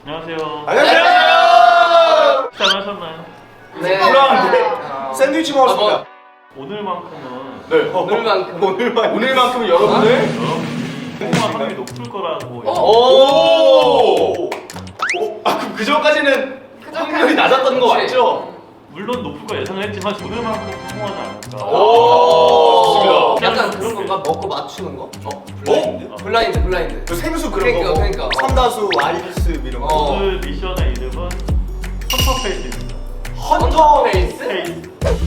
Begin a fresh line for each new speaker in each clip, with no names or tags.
안녕하세요.
안녕하세요.
식사하셨나요?
네. 불안한데 샌드위치 먹었습니다.
오늘만큼은
네. 오늘만큼은 여러분들
성공할 확률이 높을 거라고.
오. 아 그럼 그 전까지는 확률이 낮았던 거 맞죠?
물론 높을 거 예상을 했지만 오늘만큼 성공하지 않을까.
오. 좋습니다.
약간 그런 건가? 먹고 맞추는 거?
블라인드?
블라인드.
그 생수 그런 거.
그러니까.
삼다수, 와이스 이런 거.
오늘 미션의 이름은 헌터 페이스입니다.
헌터
페이스?
페이스.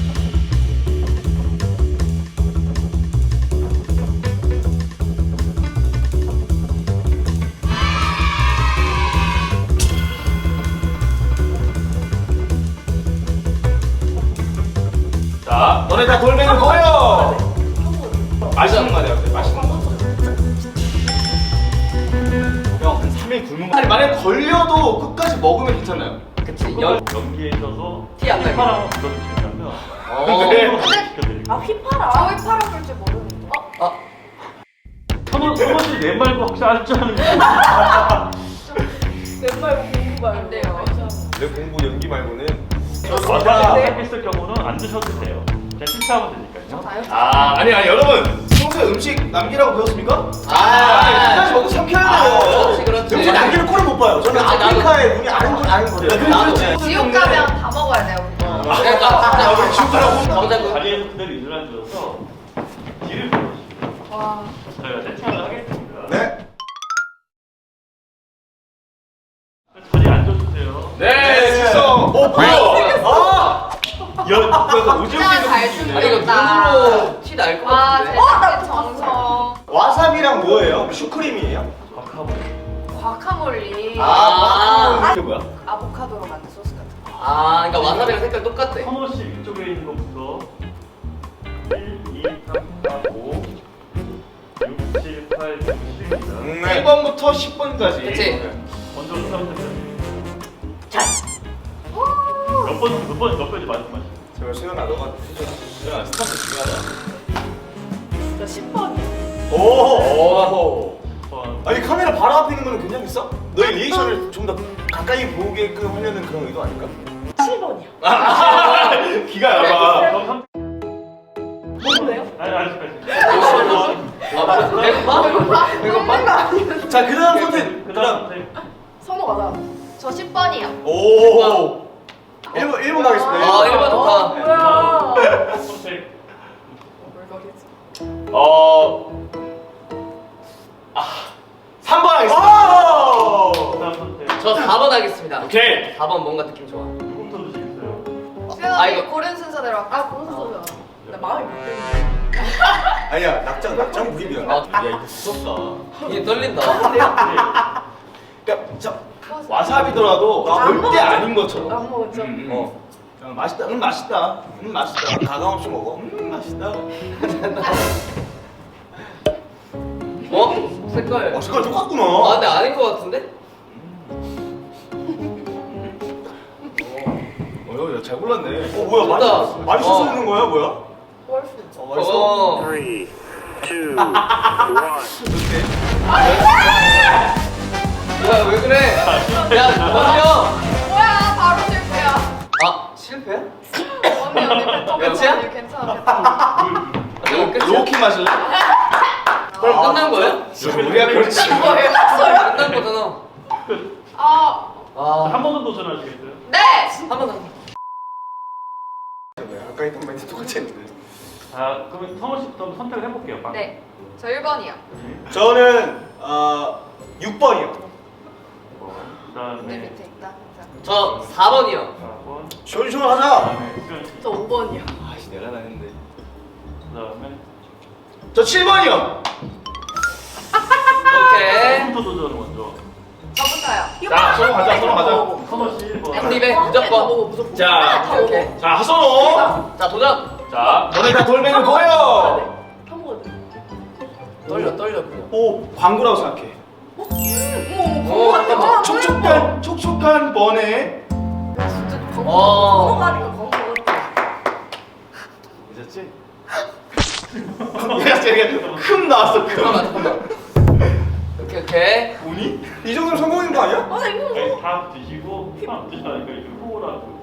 자, 너네 다 돌멩이 보여. 맛있는 거 같아요. 맛있는 거. 형, 한 3일 굶은 거. 아니 만약 걸려도 끝까지 먹으면 괜찮나요?
그치.
연기에 있어서
티안 나게.
휘파람을 불러주시면
네.
시켜드릴게요.
휘파람? 저 휘파람 불 줄 모르는데.
선호씨 내 말고 혹시 알 줄 아는 거?
왼발 공부 말고요.
내 공부 연기 말고는.
와사비 했을 경우는 안 드셔도 돼요. 그냥 실패하면 되니까요.
아니 여러분 평소에 음식 남기라고 배웠습니까?
아,
저거 삼켜야 돼요.
그렇지, 그렇지.
음식 남기는 꼴을 못 봐요. 저는
그렇지,
아프리카의 문이 아는 거예요.
나도.
지옥 가면 다 먹어야 돼요.
그러니까
우리 지옥 가라고?
정답은
자리에서 그대로 일어나셔서 뒤를 보여주시고
와.
저희가 세팅을 하겠습니다.
네.
자리에 앉아주세요.
네, 식성. 뭐야? 오징어
진짜 잘
게임.
아니 이거 눈으로 티 날 것
와,
같은데.
제 정성.
와사비랑 뭐예요? 슈크림이에요?
박하고
과카몰리.
이게 뭐야?
아보카도로 만든 소스 같은 거.
아, 그러니까 와사비랑 색깔 똑같대.
선호씨 위쪽에 있는 것부터 1, 2, 3, 4, 5, 6, 7, 8, 9, 10입니다.
1번부터 10번까지.
그치.
먼저 수사부터 몇 번인지 말씀하시죠.
제발 수연아 너가 해줘. 수연아 스타트 중요하다.
저 10번이요.
오.
번.
아니 카메라 바로 앞에 있는 거는 괜찮겠어? 너의 리액션을 좀 더 가까이 보게끔 하려는 그런 의도 아닐까?
7번이요.
기가 얇아.
그럼 3.
뭔데요?
아니 아직까지.
배고파?
자 그다음 선택.
그다음 선택.
선호 가자. 저 10번이요.
오. 1번 가겠습니다.
아, 1번 좋다.
뭐야.
선택.
뭘 거겠지?
3번 하겠습니다.
그다음 선택.
저 4번 하겠습니다.
오케이.
4번 뭔가 느낌 좋아.
누구부터 드시겠어요?
수연아,
이거
고른 순서대로 할까? 고른 순서대로. 나 마음이 바뀌었네.
아니야 낙장 무입이야.
아,
야 이거 무섭다.
이게 떨린다.
그러니까 저 와사비더라도
안
절대
먹었죠?
아닌 것처럼.
안 먹었죠?
맛있다. 맛있다. 맛있다. 가감 없이 먹어. 맛있다.
색깔.
색깔 똑같구나.
아, 근데 아닌 것 같은데?
야, 잘 골랐네. 뭐야?
좋다.
많이 써서 있는 거야, 뭐야?
월수.
맛있어.
3, 2, 1.
야, 왜 그래? 야, 먼저.
뭐야, 바로 실패야.
아, 실패야?
언니,
끝이야?
괜찮아.
이거 끝이야?
로키 마실래?
그럼 끝난 거예요?
우리가 그렇지.
뭐예요?
끝난 거잖아.
아,
한
아,
번 더 도전하시겠어요?
네!
한 번 더.
아까 했던 멘트 똑같이 했는데.
자, 그러면 성호 씨부터 선택을 해볼게요. 빵.
네. 저 1번이요.
저는 6번이요.
그다음에
내 밑에 있다. 괜찮아.
저 4번이요.
4번.
시원시원하자.
그다음에 수현 씨.
저 5번이요.
아씨 내가 나는데.
그다음에
저 7번이요.
오케이.
누구부터 도전을 먼저?
저부터요.
자, 서로 가자.
선호 씨 1번.
한 입에 무조건.
무조건.
자,
오케이.
자 하선호.
자, 도전.
자, 너네 다 돌멩이 보여.
한 번거든.
떨려 그냥.
오, 광고라고 생각해.
오, 잠깐만.
촉촉한 번에.
진짜
어.
번호가니까 번호 같아.
잊었지? 얘가 금 나왔어. 금.
잠깐만. 오케이.
오니? 이 정도면 성공인 거 아니야?
아, 나 이거
네, 다 드시고 하나 드시라니까 이렇게 후보라고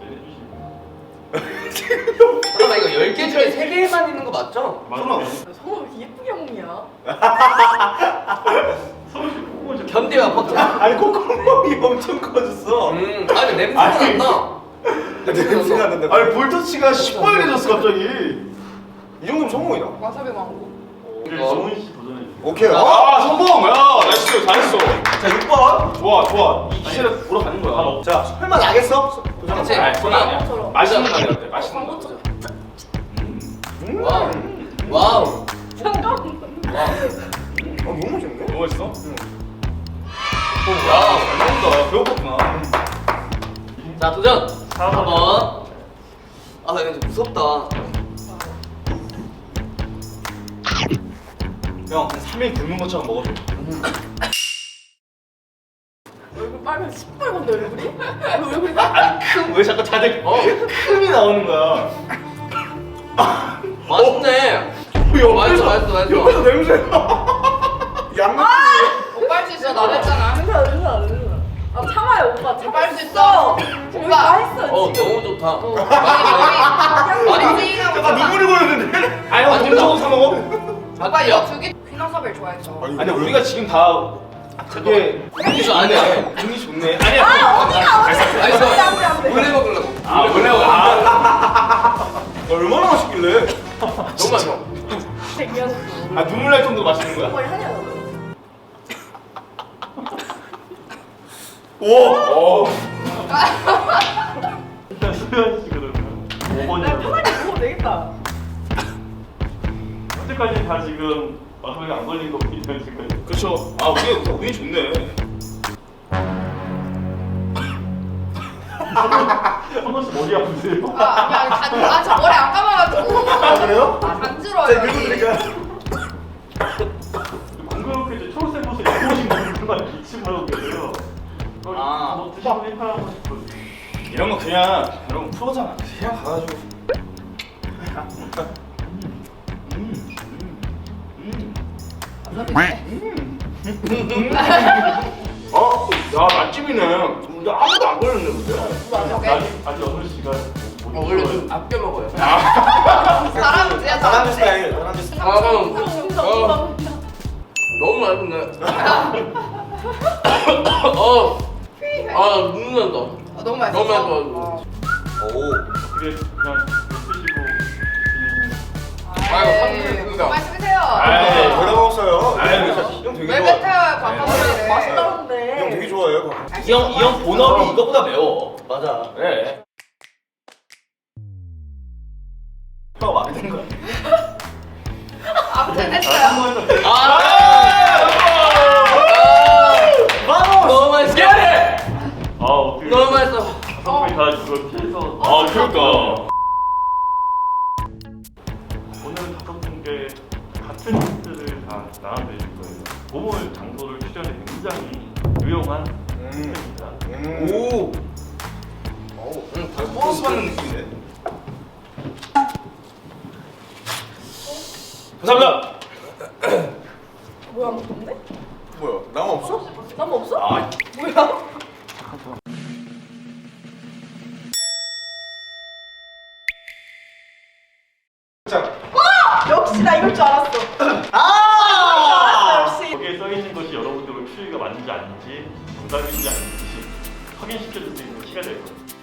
해주시면
잠깐만 이거 10개 중에 3개만 있는 거 맞죠?
맞아요.
성우 왜 이렇게 예쁘게 먹냐?
서울시 후보 좀
견디와 버터.
아니 콧구멍이 엄청 커졌어.
아니 냄새가
아니.
난다.
냄새가 난다.
아니 볼터치가 시뻘개졌어 갑자기.
이 정도면 성공이다.
와사비 망고.
우리 정훈 씨 도전해 주세요.
오케이.
아 성공. 야 나이스 잘했어.
자 6번.
좋아 좋아. 이 기세를 보러 가는 거야.
자 설마 나겠어?
그치?
아니 그건 아니야.
광고처럼.
맛있는 거 아니야. 맛있는 거.
광고처럼.
와우. 와우.
잠깐만.
너무 맛있는데?
너무 맛있어?
와우.
잘 먹는다. 배고팠구나.
자 도전.
4번.
4번. 아 이거 좀 무섭다.
형, 한 3일 굶는 것처럼 먹어줘.
얼굴 빨면 시뻘건데 얼굴이? 얼굴이
아니, 왜 자꾸 다들 큼이 나오는 거야?
맛있네. 맛있어 맛있어 맛있어.
옆에서 냄새가. 양념.
오빠 할 수 있어. 나 했잖아. 괜찮아. 아 참아요 오빠. 오빠 할 수 있어. 오빠 했어.
너무 좋다.
많이
약간 눈물이 고였는데.
아니, 형, 동서고 사 먹어?
오빠 이거 두개 휘낭사벨 좋아했어.
아니, 우리가 지금 다 되게
분위기 좋네.
분위기 좋네. 아니야.
언니가
맛있어.
안 돼.
원래 먹으려고.
아, 원래
얼마나 맛있길래?
너무 맛있어.
백년.
아, 눈물 날 정도로 맛있는 거야?
머리 하냐 너.
오!
일단 수현 씨 그러면
나
5번이요.
편하게 먹어도 되겠다.
현재까지 다 지금 마지막에 안 걸린 거거든요 지금.
그렇죠. 아, 운이 좋네.
현호 씨 머리 아프세요?
아니 저 머리 안 감아가지고.
아 그래요?
간지러워요.
제가 긁어드릴까요?
공교롭게 이제 초록색 옷을 입고 오신 분들만 기침하고 계세요.
아.
뭐 드시고 행사하고 싶어요.
이런 거 그냥, 이런 거 프로잖아. 그냥 가가지고. 야, 맛집이네. 근데 아무도 안 걸렸네, 근데.
아직 현호 씨가
원래 좀 아껴 먹어요.
사람 진짜
사람들 스타일. 사람들 스타일.
너무 맛있네. 눈난다.
너무 맛있어.
너무 맛있어.
오.
어떻게 그냥 드시고
아유, 상쾌해진다.
말씀하세요.
아이,
저렴 먹었어요.
아이,
형 되게
왜
좋아.
뱉어요 과카몰리를.
형
맛있다는데.
되게 좋아해요.
이 형 본업이 이거보다 매워.
맞아.
그래. 형 마음에 드는 거야?
아무튼 됐어요.
너무 맛있어.
아 어떻게
너무 맛있어.
거의 다 그걸 피해서
아, 그러니까.
오늘 다섯 분께 같은 힌트를 다 나눠드릴 거예요. 보물 장소를 추천해 굉장히 유용한 힌트입니다.
오.
보너스 받는 느낌인데. 감사합니다.
뭐야 아무도 없네?
뭐야? 나무 없어?
나무 없어?
아,
뭐야?
자.
역시 나 이럴 줄 알았어.
아!
역시.
거기에 써 있는 것이 여러분들 추리가 맞는지 아닌지 정답인지 아닌지 확인시켜줄 수 있는 키가 될 거예요.